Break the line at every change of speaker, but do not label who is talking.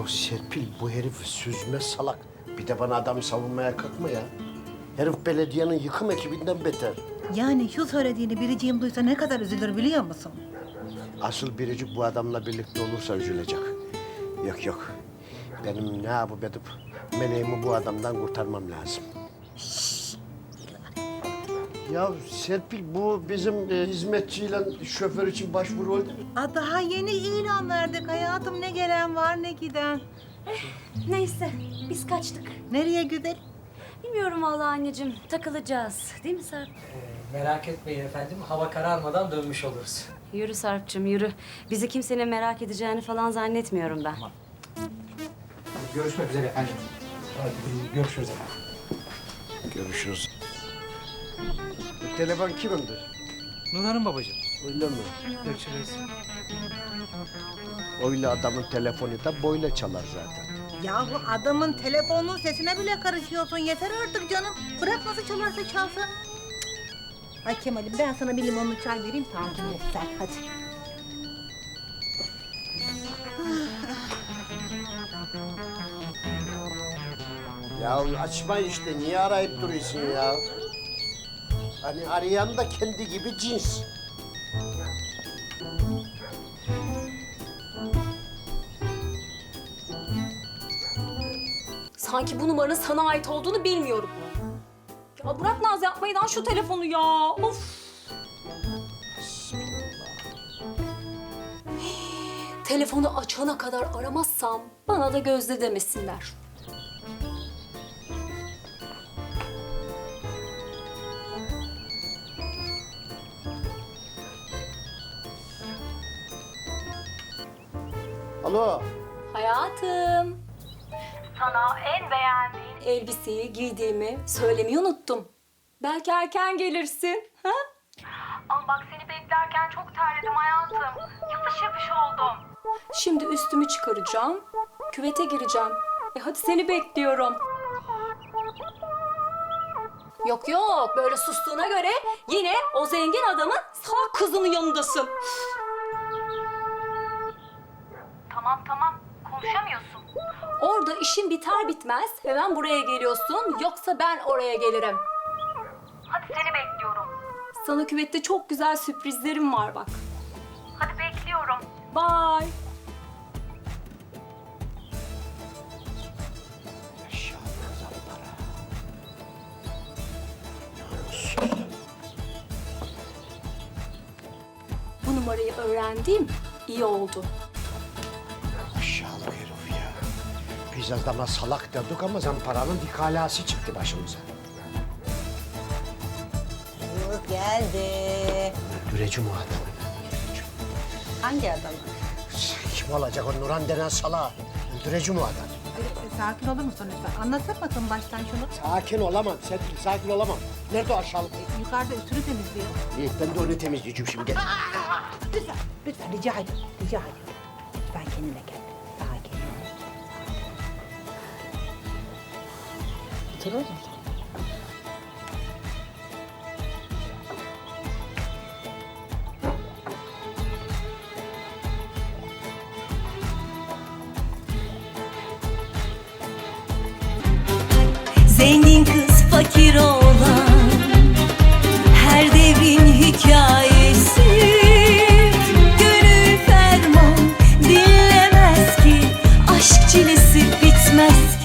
Ya Serpil, bu herif süzme salak. Bir de bana adamı savunmaya kalkma ya. Herif belediyenin yıkım ekibinden beter.
Yani şu söylediğini biriciğim duysa ne kadar üzülür biliyor musun?
Asıl biricik bu adamla birlikte olursa üzülecek. Yok yok. Benim ne yapıp edip meleğimi bu adamdan kurtarmam lazım. Ya Serpil, bu bizim hizmetçiyle şoför için başvuru oldu mu?
Daha yeni ilan verdik hayatım. Ne gelen var ne giden.
Neyse, biz kaçtık.
Nereye güzel?
Bilmiyorum vallahi anneciğim, takılacağız. Değil mi Sarp?
Merak etmeyin efendim, hava kararmadan dönmüş oluruz.
Yürü Sarp'cığım, yürü. Bizi kimsenin merak edeceğini falan zannetmiyorum ben.
Görüşmek üzere efendim. Hadi görüşürüz efendim.
Görüşürüz. Bu telefon kimindir?
Nurhan'ım babacığım.
Öyle mi?
Görüşürüz.
Öyle adamın telefonu da böyle çalar zaten.
Yahu adamın telefonunun sesine bile karışıyorsun. Yeter artık canım. Bırak nasıl çalarsa çalsın. Cık. Ay Kemal'im ben sana bir limonlu çay vereyim. Tankini sen hadi.
Ya açma işte, niye arayıp duruyorsun ya? Hani arayan da kendi gibi cins.
Sanki bu numaranın sana ait olduğunu bilmiyorum. Ya bırak naz yapmayı lan şu telefonu ya. Of. Telefonu açana kadar aramazsam bana da Gözde demesinler.
Alo.
Hayatım. Sana en beğendiğin elbiseyi giydiğimi söylemeyi unuttum. Belki erken gelirsin. Ha?
Ama bak seni beklerken çok terledim hayatım. Yapış yapış oldum.
Şimdi üstümü çıkaracağım. Küvete gireceğim. Hadi seni bekliyorum. Yok yok, böyle sustuğuna göre yine o zengin adamın sağ kızının yanındasın.
Tamam konuşamıyorsun.
Orada işin biter bitmez hemen buraya geliyorsun, yoksa ben oraya gelirim.
Hadi seni bekliyorum.
Sana küvette çok güzel sürprizlerim var bak.
Hadi bekliyorum.
Bye. Bu numarayı öğrendiğim iyi oldu.
Aşağılık herif ya. Biz adama salak dedik ama zamparanın dikalası çıktı başımıza.
Geldi.
Öldüreceğim o adamı.
Hangi adamı?
Kim olacak o Nurhan denen salağı? Öldüreceğim o adamı.
Sakin olur musun lütfen? Anlatsana bakın baştan şunu.
Sakin olamam Serpil, sakin olamam. Nerede o aşağılık?
Yukarıda üstünü temizliyor.
İyi, ben de onu temizleyeceğim şimdi. Gel.
Lütfen rica ederim. Rica ederim. Lütfen kendine gel. Sakin ol. Oturur musun?
Zengin kız fakir olan her devrin hikayesi. Gönül ferman dinlemez ki, aşk çilesi bitmez ki.